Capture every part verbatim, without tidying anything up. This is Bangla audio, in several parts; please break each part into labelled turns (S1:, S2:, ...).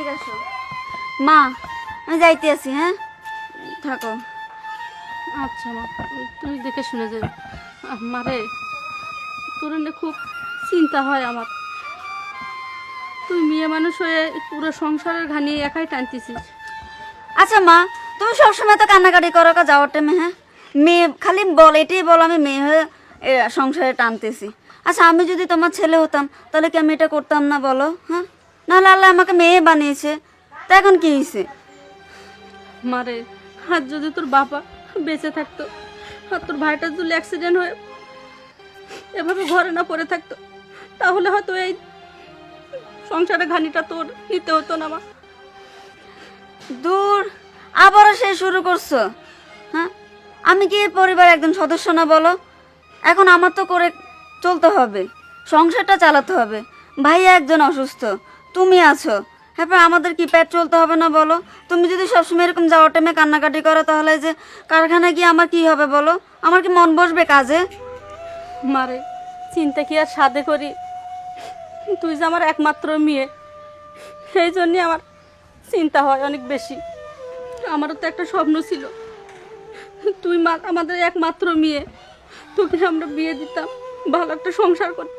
S1: এদিকে আসো। মা আমি যাইতে আছি, হ্যাঁ থাকো।
S2: আচ্ছা মা, তুই দেখে শুনে যাবি। মারে, তোর এনে খুব চিন্তা হয় আমার। তুই মেয়ে মানুষ হয়ে পুরো সংসারের ঘানি একাই টানতেছিস।
S1: আচ্ছা মা, তুমি সবসময় তো কান্নাকাটি করো কা যাওয়ার টাইমে, হ্যাঁ মেয়ে খালি বল, এটাই বল আমি মেয়ে হয়ে এ, সংসারে টানতেছি। আচ্ছা আমি যদি তোমার ছেলে হতাম তাহলে কি আমি এটা করতাম না বলো? হ্যাঁ, নাহলে আল্লাহ আমাকে মেয়ে বানিয়েছে, তা এখন কি হয়েছে?
S2: মারে, আর যদি তোর বাবা বেঁচে থাকতো, আর তোর ভাইটার যদি অ্যাক্সিডেন্ট হয়ে এভাবে ঘরে না পড়ে থাকতো, তাহলে হয়তো এই সংসারের ঘানিটা তোর নিতে হতো না মা।
S1: দূর, আবারও সে শুরু করছো? হ্যাঁ, আমি কি এই পরিবার একজন সদস্য না বলো? এখন আমার তো করে চলতে হবে, সংসারটা চালাতে হবে। ভাইয়া একজন অসুস্থ, তুমি আছো, হ্যাঁ আমাদের কি পেট চলতে হবে না বলো? তুমি যদি সবসময় এরকম যাওয়ার টাইমে কান্নাকাটি করো তাহলে যে কারখানায় গিয়ে আমার কি হবে বলো? আমার কি মন বসবে কাজে?
S2: মারে, চিন্তা কি আর সাধে করি? তুই যে আমার একমাত্র মেয়ে, সেই জন্যে আমার চিন্তা হয় অনেক বেশি। আমারও তো একটা স্বপ্ন ছিল, তুই মা আমাদের একমাত্র মেয়ে, তোকে আমরা বিয়ে দিতাম, ভালো একটা সংসার করতাম।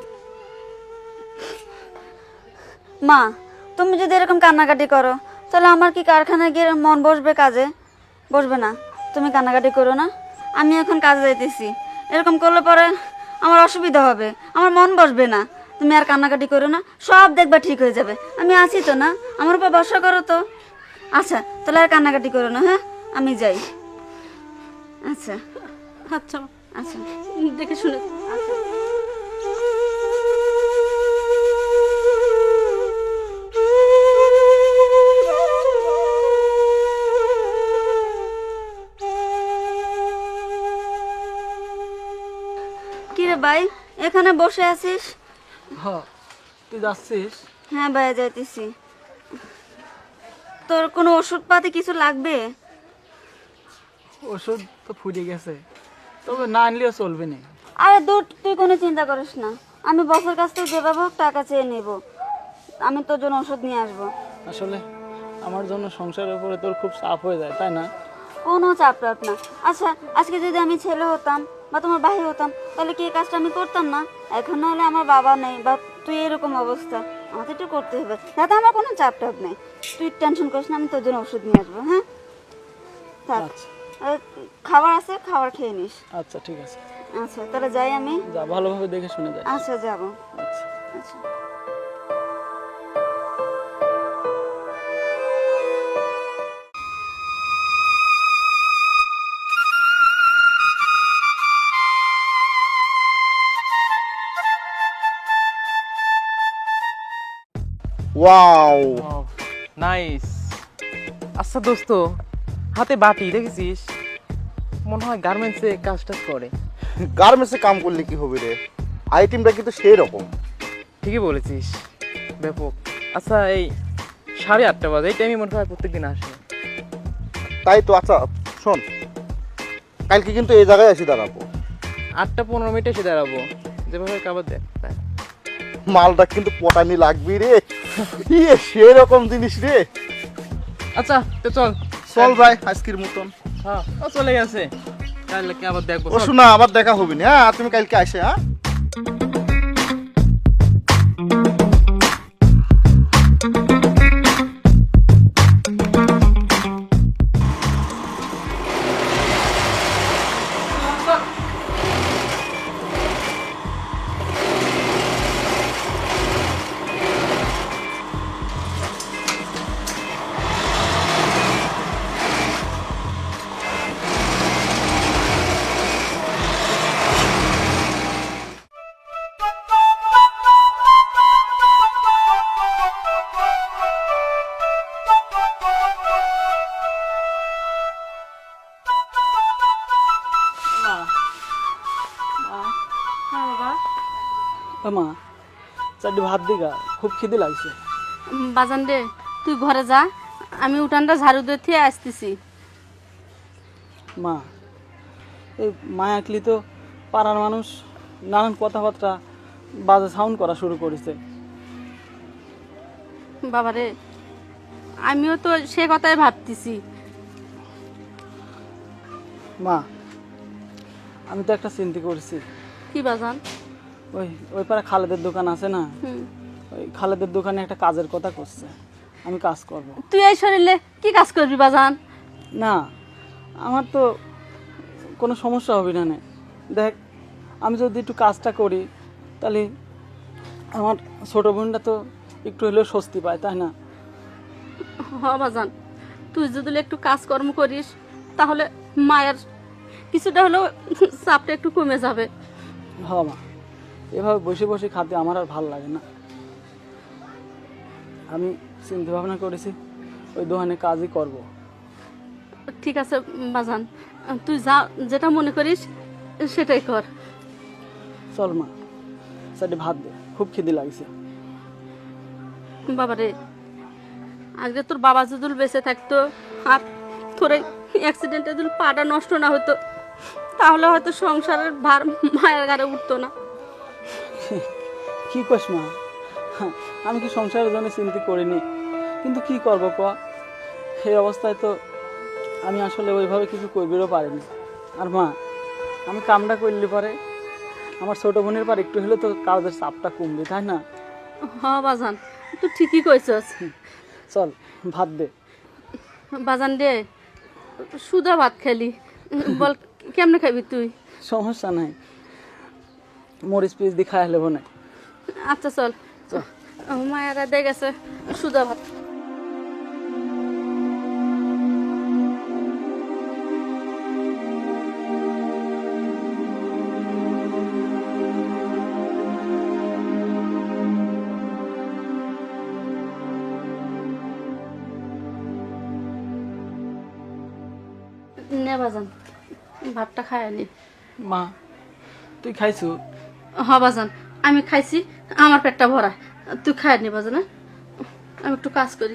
S1: মা তুমি যদি এরকম কান্নাকাটি করো তাহলে আমার কি কারখানায় গিয়ে মন বসবে কাজে? বসবে না। তুমি কান্নাকাটি করো না, আমি এখন কাজে যাইতেছি। এরকম করলে পরে আমার অসুবিধা হবে, আমার মন বসবে না। তুমি আর কান্নাকাটি করো না, সব দেখবা ঠিক হয়ে যাবে। আমি আছি তো না, আমার উপর ভরসা করো তো। আচ্ছা তাহলে আর কান্নাকাটি করো না, হ্যাঁ আমি যাই। আচ্ছা
S2: আচ্ছা মা,
S1: আচ্ছা
S2: দেখে শুনে।
S1: আচ্ছা। কিরে ভাই, এখানে বসে আছিস?
S3: হ্যাঁ, তুই যাচ্ছিস?
S1: হ্যাঁ ভাইয়া যাইতেছি। তোর কোনো ওষুধপাতি কিছু লাগবে?
S3: ওষুধ তো ফুরিয়ে গেছে, তবে না আনলেও চলবে না।
S1: আরে দূর, তুই কোনো চিন্তা করিস না, আমি বসের কাছ থেকে যেভাবে হোক টাকা চেয়ে নেব, আমি তোর জন্য ওষুধ নিয়ে আসবো।
S3: আসলে আমার জন্য সংসারের উপরে তোর খুব চাপ হয়ে যায়, তাই না?
S1: কোনো চাপ টাপ না। আচ্ছা আজকে যদি আমি ছেলে হতাম বা তোমার ভাই হতাম তাহলে কি এই কাজটা আমি করতাম না? এখন না হলে আমার বাবা নেই বা তুই এরকম অবস্থা, আমাদের একটু করতে হবে, যাতে আমার কোনো চাপ টাপ নেই। তুই টেনশন করিস না, আমি তোর জন্য ওষুধ নিয়ে আসবো। হ্যাঁ থাক,
S3: আচ্ছা
S1: আর খাবার আছে, খাবার খেয়ে নিস।
S3: আচ্ছা, ঠিক আছে,
S1: আচ্ছা তাহলে যাই আমি।
S3: যা, ভালোভাবে দেখে শুনে যাই।
S1: আচ্ছা যাবো।
S3: আচ্ছা।
S1: আচ্ছা
S4: ওয়াও,
S5: নাইস। আচ্ছা দোস্ত, হাতে বাটি দেখেছিস? মনে হয় গার্মেন্টসে কাজ টাজ করে।
S4: গার্মেন্টসে কাম করলে কি হবে রে? আইটেমটা কিন্তু সেই রকম।
S5: ঠিকই বলেছিস, ব্যাপক। আচ্ছা এই সাড়ে আটটা বাজে, এই টাইমে মনে হয় প্রত্যেকদিন আসে।
S4: তাই তো। আচ্ছা শোন, কালকে কিন্তু এই জায়গায় এসে দাঁড়াবো।
S5: আটটা পনেরো মিনিটে এসে দাঁড়াবো, যেভাবে খাবার দেখ।
S4: মালটা কিন্তু পটানি লাগবি রে, ইয়ে সেই রকম জিনিস রে।
S5: আচ্ছা তো চল
S4: চল ভাই আজকের মতন।
S5: হ্যাঁ, ও চলে গেছে, কালকে আবার দেখবো।
S4: ও শোনা, আবার দেখা হবে না। হ্যাঁ তুমি কালকে আসে। হ্যাঁ
S2: হ্যাঁ বাবা।
S3: এ মা, চারটি ভাত দিগা, খুব খিদে লাগছে।
S2: উম, বাজান রে, তুই ঘরে যা, আমি উঠানটা ঝাড়ু দিয়ে থিয়ে আসতেছি।
S3: মা, এই মায়াকলি তো পাড়ার মানুষ নানান কথাবার্তা বাজে সাউন্ড করা শুরু করেছে।
S2: বাবা রে, আমিও তো সে কথাই ভাবতেছি।
S3: মা, আমি তো একটা চিন্তা করছি।
S2: কি বাজান?
S3: ওই ওই পারে খালেদের দোকান আছে না,
S2: হুম।
S3: ওই খালেদের দোকানে একটা কাজের কথা করছে, আমি কাজ করব।
S2: তুই এই শরীরে কি কাজ করবি বাজান?
S3: না, আমার তো কোনো সমস্যা হবে না নে। দেখ, আমি যদি একটু কাজটা করি তাহলে আমার ছোট বোনটা তো একটু হলেও স্বস্তি পায়, তাই না?
S2: হ বাজান, তুই যদি একটু কাজকর্ম করিস তাহলে মায়ের কিছুটা হলেও চাপটা একটু কমে যাবে।
S3: হ মা, এভাবে বসে বসে খাতে আমার আর ভাল লাগে না। আমি চিন্তা ভাবনা করেছি ওই দোকানে কাজই করব।
S2: ঠিক আছে বাজান, তুই যা যেটা মনে করিস সেটাই কর।
S3: চল মা, সাইডে ভাত দে, খুব খিদে লাগছে।
S2: বাবারে, আগে তোর বাবা যদি বেঁচে থাকতো আর তোর অ্যাক্সিডেন্টে যদি পাটা নষ্ট না হতো তাহলে হয়তো সংসারের ভার মায়ের ঘাড়ে উঠতো না।
S3: কি কস মা, হ্যাঁ, আমি কি সংসারের জন্য চিন্তা করিনি, কিন্তু কি করব ক, এই অবস্থায় তো আমি আসলে ওইভাবে কিছু করবেও পারিনি। আর মা, আমি কামটা করলে পরে আমার ছোট বোনের পর একটু হলে তো কাজের চাপটা কমবে, তাই না?
S2: হ বাজান, তুই ঠিকই কইছস।
S3: চল ভাত দে।
S2: বাজান রে, সুদা ভাত খেলি, বল কেমনে খাবি তুই?
S3: সমস্যা নাই, মরিচ পিস দিয়ে খাই হলে না।
S2: আচ্ছা চল, মায়েরা দিয়ে গেছে সুদা ভাত। নে বাজান, ভাতটা খাই আনি।
S3: মা, তুই খাইছু?
S2: হ বাজান, আমি খাইছি, আমার পেটটা ভরা। তুই খাই নি বাজান, হ্যাঁ? আমি একটু কাজ করি।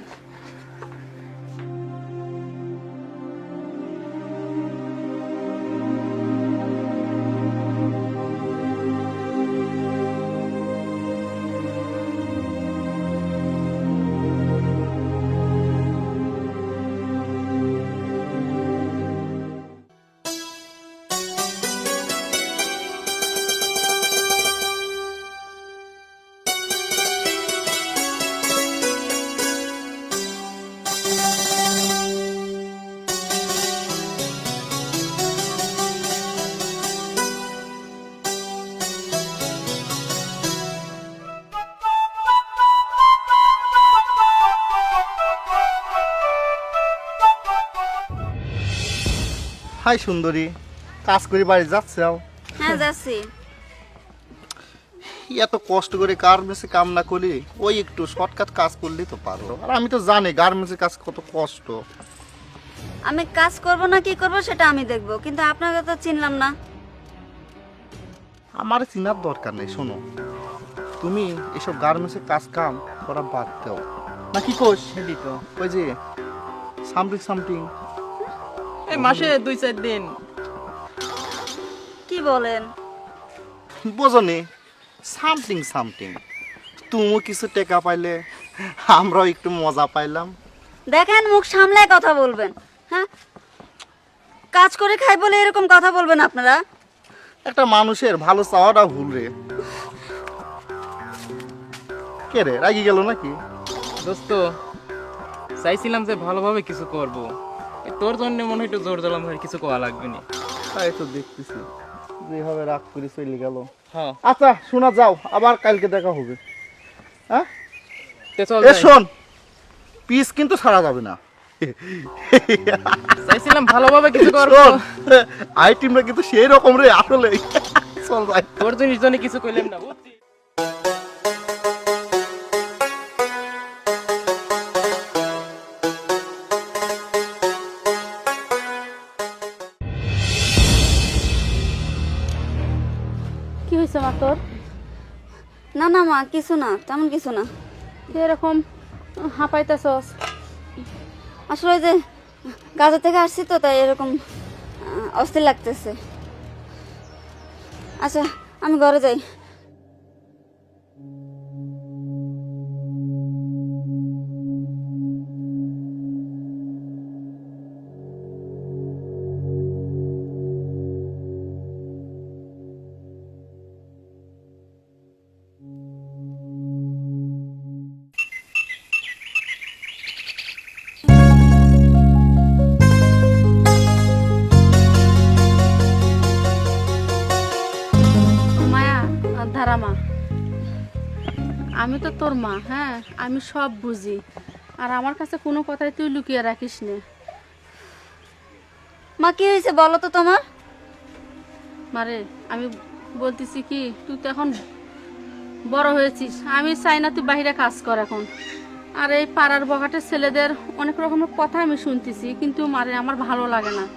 S4: হাই সুন্দরী, কাজ করে বাড়ি যাচ্ছাও?
S1: হ্যাঁ যাচ্ছি।
S4: এত কষ্ট করে গার্মেন্টসে কাম না করলে ওই একটু শর্টকাট কাজ করলেই তো পারো। আর আমি তো জানি গার্মেন্টসের কাজ কত কষ্ট।
S1: আমি কাজ করব না কি করব সেটা আমি দেখব, কিন্তু আপনাকে তো চিনলাম না।
S4: আমার চিনার দরকার নেই। শোনো, তুমি এসব গার্মেন্টসের কাজ কাম করা বাদ দাও, নাকি কোষ?
S5: সেটি তো
S4: ওই যে সামথিং সামথিং
S5: এই মাসে দুই চার দিন।
S1: কি বলেন?
S4: বোঝনি, সামথিং সামথিং তুমিও কিছু টাকা পাইলে আমরাও একটু মজা পাইলাম।
S1: দেখেন, মুখ সামলায় কথা বলবেন। হ্যাঁ, কাজ করে খাই বলে এরকম কথা বলবেন আপনারা?
S4: একটা মানুষের ভালো চাওয়াটা ভুল রে। কে রে, রাগি গেল নাকি?
S5: দোস্ত, চাইছিলাম যে ভালোভাবে কিছু করব, এই তোর জন্য মনে হয় একটু জোর দিলাম, ভাই কিছু করা লাগবে না।
S4: তাই তো দেখতেছি যেভাবে রাগ করে চলে গেল।
S5: হ্যাঁ,
S4: আচ্ছা শোনা, যাও, আবার কালকে দেখা হবে। হ্যাঁ,
S5: তে চল
S4: এ
S5: যাই।
S4: শোন, পিস কিন্তু ছাড়া যাবে না।
S5: চাইছিলাম ভালোভাবে কিছু করব,
S4: শোন, আই টিমটা কিন্তু সেই রকম রে আসলে। চল যাই।
S5: তোর জিনিস জন্য কিছু কইলাম না, বুঝছিস?
S2: কি হয়েছে মা তোর?
S1: না না মা, কিছু না, তেমন কিছু না।
S2: তুই এরকম হাঁপাইতেছস?
S1: আসলে ওই যে গাজা থেকে আসছি তো, তাই এরকম আহ, অস্থির লাগতেছে। আচ্ছা আমি ঘরে যাই।
S2: আমি তো তোর মা, হ্যাঁ আমি সব বুঝি, আর আমার কাছে কোনো কথাই তুই লুকিয়ে রাখিস নে।
S1: মা কি হয়েছে বলো তো তোমার?
S2: মারে আমি বলতেছি কি, তুই তো এখন বড় হয়েছিস, আমি চাই না তুই বাইরে কাজ কর এখন। আর এই পাড়ার বখাটের ছেলেদের অনেক রকমের কথা আমি শুনতেছি, কিন্তু মারে আমার ভালো লাগে না।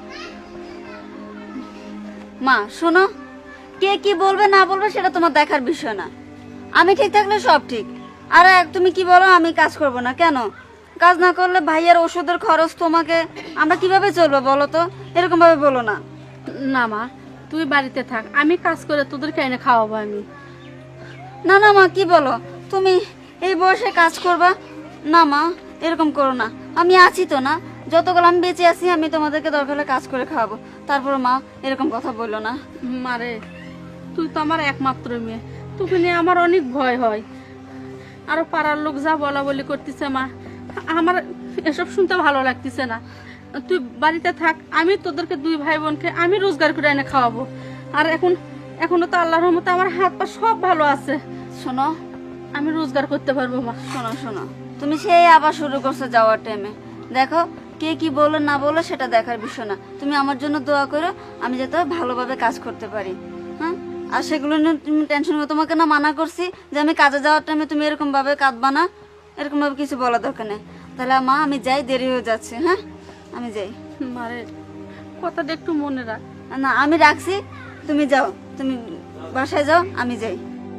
S1: মা শোনো, কে কি বলবে না বলবে সেটা তোমার দেখার বিষয় না। আমি ঠিক থাকলে সব ঠিক। আর এক তুমি কি বলো আমি কাজ করব না কেন? কাজ না করলে ভাইয়ের ওষুধের খরচ তোমাকে আমরা কিভাবে চলবো বলো তো? এরকম ভাবে বলো না।
S2: না মা, তুই বাড়িতে থাক, আমি কাজ করে তোদেরকে এনে খাওয়াবো আমি।
S1: না না মা কি বলো তুমি, এই বয়সে কাজ করবা? না মা এরকম করো না, আমি আছি তো না, যতগুলো আমি বেঁচে আছি আমি তোমাদেরকে দরকার হলে কাজ করে খাওয়াবো। তারপরে মা এরকম কথা বললো না।
S2: মারে তুই তো আমার একমাত্র মেয়ে, তোকে নিয়ে আমার অনেক ভয় হয়। আরো পাড়ার লোক যা বলা বলি করতেছে মা, আমার এসব শুনতে ভালো লাগতেছে না। তুই বাড়িতে থাক, আমি তোদেরকে দুই ভাই বোনকে আমি রোজগার করে এনে খাওয়াবো। আর এখন এখনো তো আল্লাহর রহমতে আমার হাত পা সব ভালো আছে,
S1: শোনো
S2: আমি রোজগার করতে পারবো মা।
S1: শোনো শোনো তুমি সেই আবার শুরু করছো যাওয়ার টাইমে। দেখো কে কি বলো না বলো সেটা দেখার বিষয় না, তুমি আমার জন্য দোয়া করো আমি যাতে ভালোভাবে কাজ করতে পারি। হ্যাঁ, আর সেগুলো নিয়ে তুমি টেনশন করো। তোমাকে না মানা করছি যে আমি কাজে যাওয়ার টাইমে তুমি এরকম ভাবে কাঁদবা না, এরকম ভাবে কিছু বলা দরকার নেই। তাহলে মা আমি যাই, দেরি হয়ে যাচ্ছে। হ্যাঁ আমি যাই।
S2: মারে কথাটা একটু মনে রাখ।
S1: না আমি রাখছি, তুমি যাও, তুমি বাসায় যাও, আমি যাই।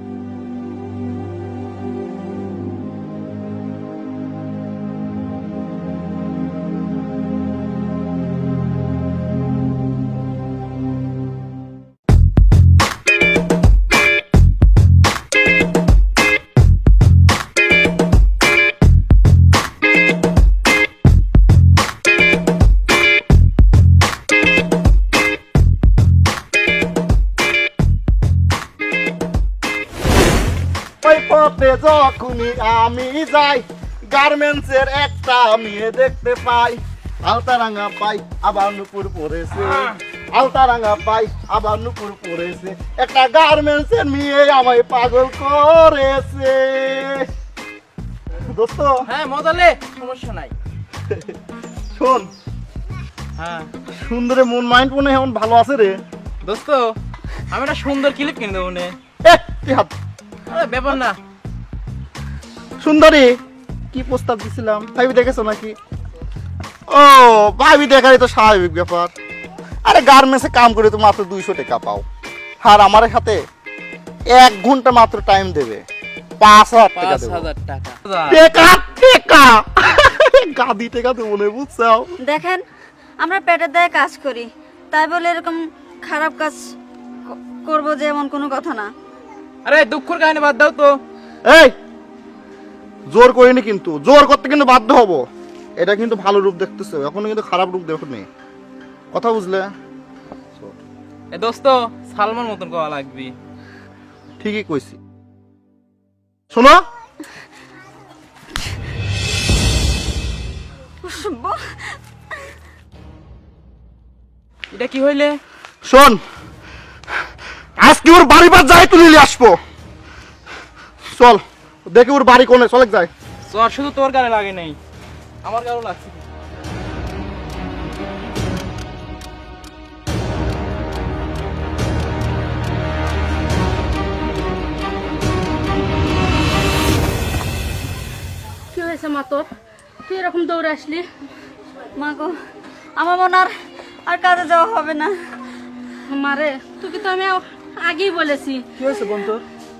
S4: ওই পথে যখনই আমি যাই গার্মেন্টসের একটা মেয়ে দেখতে পাই, আলতারাঙ্গা পাই আবার নুপুর পরেছে, আলতারাঙ্গা পাই আবার নুপুর পরেছে, একটা গার্মেন্টসের মেয়ে আমায় পাগল করেছে। দোস্ত
S5: হ্যাঁ মজালে, সমস্যা নাই।
S4: শোন,
S5: হ্যাঁ
S4: সুন্দরে মন মাইন্ড মনে হয় এমন ভালো আছে রে।
S5: দোস্ত, আমি একটা সুন্দর ক্লিপ কিনে দেবো নে।
S4: এ, কি হাত
S5: আরে ব্যাপার না।
S4: সুন্দরী কি প্রস্তাব দিছিলাম ভাবি দেখেছো নাকি? ও ভাবি দেখারই তো স্বাভাবিক ব্যাপার। আরে গার্মেন্টসে কাম করে তো মাত্র দুইশো টাকা পাও, আর আমার সাথে এক ঘন্টা মাত্র টাইম দেবে, পাঁচ হাজার টাকা
S5: পাঁচ
S4: দেবো।
S5: হাজার টাকা
S4: টাকা টাকা গাদি টাকা দেবো না, বুঝছো?
S1: দেখেন আমরা পেটের দায়ে কাজ করি, তাই বলে এরকম খারাপ কাজ ক- করবো যে এমন কোনো কথা না।
S5: আরে দুঃখের কাহিনী বাদ দাও তো।
S4: এই জোর করিনি, কিন্তু জোর করতে কিন্তু বাধ্য হব। এটা কিন্তু ভালো রূপ দেখতেছো, এখনো কিন্তু খারাপ রূপ দেখোনি, কথা বুঝলে?
S5: এ দোস্ত, সালমান মতন করা লাগবি।
S4: ঠিকই কইছি। শোনো,
S5: এটা কি হইলে?
S4: শোন, আজকে ওর বাড়ি বাদ যাই তুলে নিয়ে আসবো। চল দেখি ওর বাড়ি কোনে, চলে যায়।
S5: জ্বর শুধু তোর গায়ে লাগে নাই, আমার গায়েও লাগছে।
S2: কি হয়েছে মা তোর, তুই এরকম দৌড়ে আসলি?
S1: মা গো, আমার মনে আর আর কাজে যাওয়া হবে না।
S2: মারে তোকে তো আমি আগেই বলেছি।
S3: কি হয়েছে বোন তোর?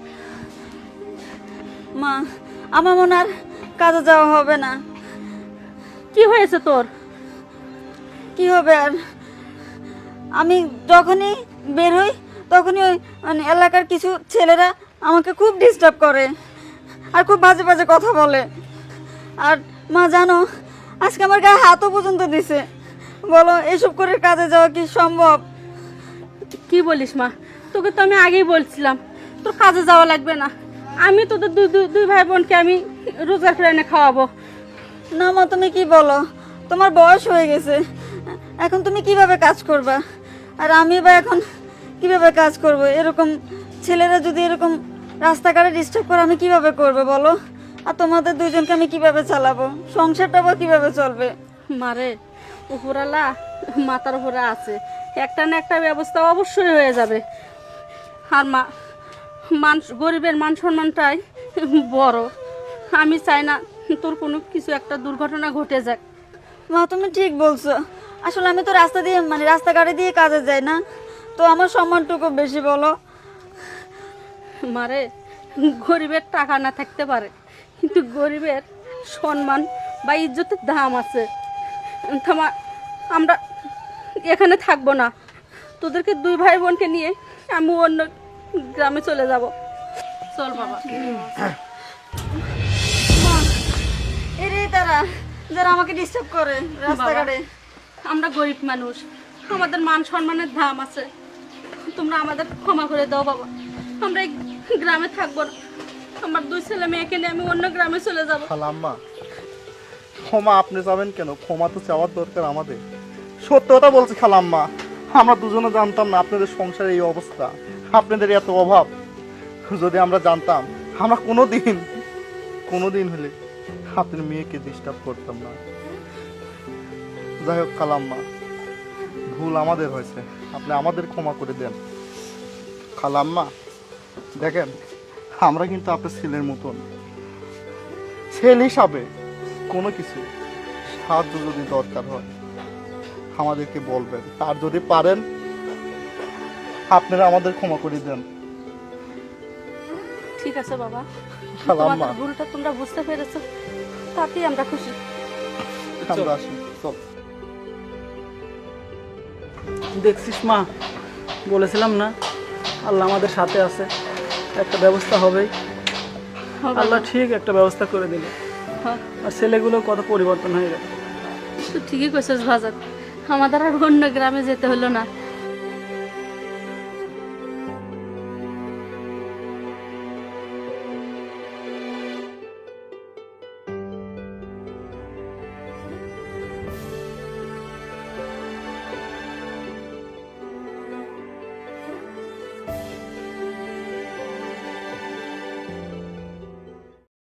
S1: মা আমার মনে আর কাজে যাওয়া হবে না।
S2: কি হয়েছে তোর?
S1: কি হবে আর, আমি যখনই বের হই তখনই ওই মানে এলাকার কিছু ছেলেরা আমাকে খুব ডিস্টার্ব করে আর খুব বাজে বাজে কথা বলে। আর মা জানো আজকে আমার গায়ে হাতও পর্যন্ত দিছে। বলো এসব করে কাজে যাওয়া কি সম্ভব?
S2: কি বলিস মা, তোকে তো আমি আগেই বলছিলাম তোর কাজে যাওয়া লাগবে না, আমি তোদের দুই দুই- দুই ভাই বোনকে আমি রোজগার করে এনে খাওয়াবো।
S1: না মা তুমি কি বলো, তোমার বয়স হয়ে গেছে, এখন তুমি কিভাবে কাজ করবা? আর আমি বা এখন কিভাবে কাজ করব? এরকম ছেলেরা যদি এরকম রাস্তাঘাটে ডিস্টার্ব করে আমি কিভাবে করবো বলো? আর তোমাদের দুইজনকে আমি কিভাবে চালাবো? সংসারটা বা কিভাবে চলবে?
S2: মারে, উপরালা মাথার উপরে আছে, একটা না একটা ব্যবস্থা অবশ্যই হয়ে যাবে। আর মা মান গরিবের মান সম্মানটাই বড়। আমি চাই না তোর কোনো কিছু একটা দুর্ঘটনা ঘটে যাক।
S1: মা তুমি ঠিক বলছো। আসলে আমি তো রাস্তা দিয়ে মানে রাস্তাঘাটে দিয়ে কাজে যাই না, তো আমার সম্মানটুকু বেশি বলো।
S2: মারে, গরিবের টাকা না থাকতে পারে, কিন্তু গরিবের সম্মান বা ইজ্জতের দাম আছে। থামা, আমরা এখানে থাকবো না, তোদেরকে দুই ভাই বোনকে নিয়ে আমি অন্য গ্রামে চলে যাব। চল বাবা।
S1: এরে তারা যারা আমাকে ডিস্টার্ব করে রাস্তাঘাটে।
S2: আমরা গরিব মানুষ, আমাদের মান সম্মানের দাম আছে, তোমরা আমাদের ক্ষমা করে দাও বাবা। আমরা এই গ্রামে থাকবো না, আমার দুই ছেলে মেয়েকে নিয়ে আমি অন্য গ্রামে চলে যাব।
S4: খালাম্মা, ক্ষমা আপনি যাবেন কেন? ক্ষমা তো চাওয়ার দরকার আমাদের। সত্য কথা বলছি খালাম্মা, আমরা দুজনে জানতাম না আপনাদের সংসারে এই অবস্থা, আপনাদের এত অভাব। যদি আমরা জানতাম, আমরা কোনো দিন কোনো দিন হলে আপনার মেয়েকে ডিস্টার্ব করতাম না। যাই হোক খালাম্মা, ভুল আমাদের হয়েছে, আপনি আমাদের ক্ষমা করে দেন। খালাম্মা দেখেন, আমরা কিন্তু আপনার ছেলের মতন, ছেলে হিসাবে কোনো কিছু সাহায্য যদি দরকার হয় আমাদেরকে বলবেন, আর যদি পারেন আপনারা আমাদের ক্ষমা করে দেন।
S2: ঠিক আছে বাবা,
S4: খালাম্মা
S2: তোমাদের ভুলটা তোমরা বুঝতে পেরেছো, তাতেই আমরা খুশি।
S4: আমরা আসি, চল।
S3: দেখছিস মা, বলেছিলাম না আল্লাহ আমাদের সাথে আছে, একটা ব্যবস্থা হবেই।
S2: হবে
S3: আল্লাহ
S2: না?
S3: ঠিক একটা ব্যবস্থা করে দিল,
S2: হ্যাঁ,
S3: আর ছেলেগুলো কত পরিবর্তন হয়ে গেল।
S2: তুই ঠিকই কইছিস বাজার, আমাদের আর অন্য গ্রামে যেতে হলো না।